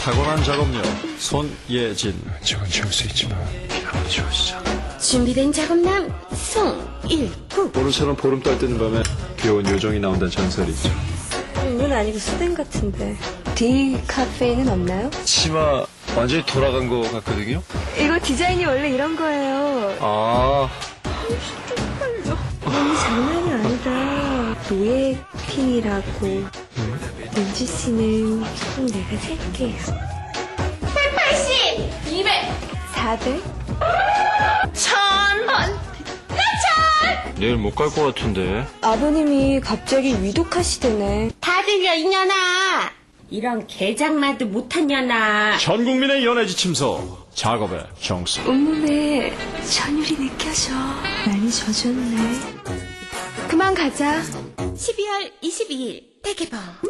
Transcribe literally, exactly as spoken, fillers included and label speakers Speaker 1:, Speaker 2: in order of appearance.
Speaker 1: 타고난 작업력 손예진.
Speaker 2: 저건 지울 수 있지만 피아노 지워지자.
Speaker 3: 준비된 작업남 송일구.
Speaker 1: 오늘처럼 보름달 뜨는 밤에 귀여운 요정이 나온다는 전설이 있죠.
Speaker 3: 이건 아니고 수댕 같은데. D 카페에는 없나요?
Speaker 1: 치마 완전히 돌아간 것 같거든요.
Speaker 3: 이거 디자인이 원래 이런 거예요.
Speaker 1: 아,
Speaker 3: 너무 장난이 아니다. 노예핑이라고. 은지 씨는 꼭 내가 살게요. 백팔십! 이백! 사백? 천원!
Speaker 1: 내일 못 갈 것 같은데.
Speaker 3: 아버님이 갑자기 위독하시대네.
Speaker 4: 다 들려 이년아. 이런 개장만도 못한 년아.
Speaker 1: 전 국민의 연애 지침서 작업의 정수.
Speaker 3: 온몸에 전율이 느껴져. 많이 젖었네. 그만 가자.
Speaker 4: 십이월 이십이일 대개봉.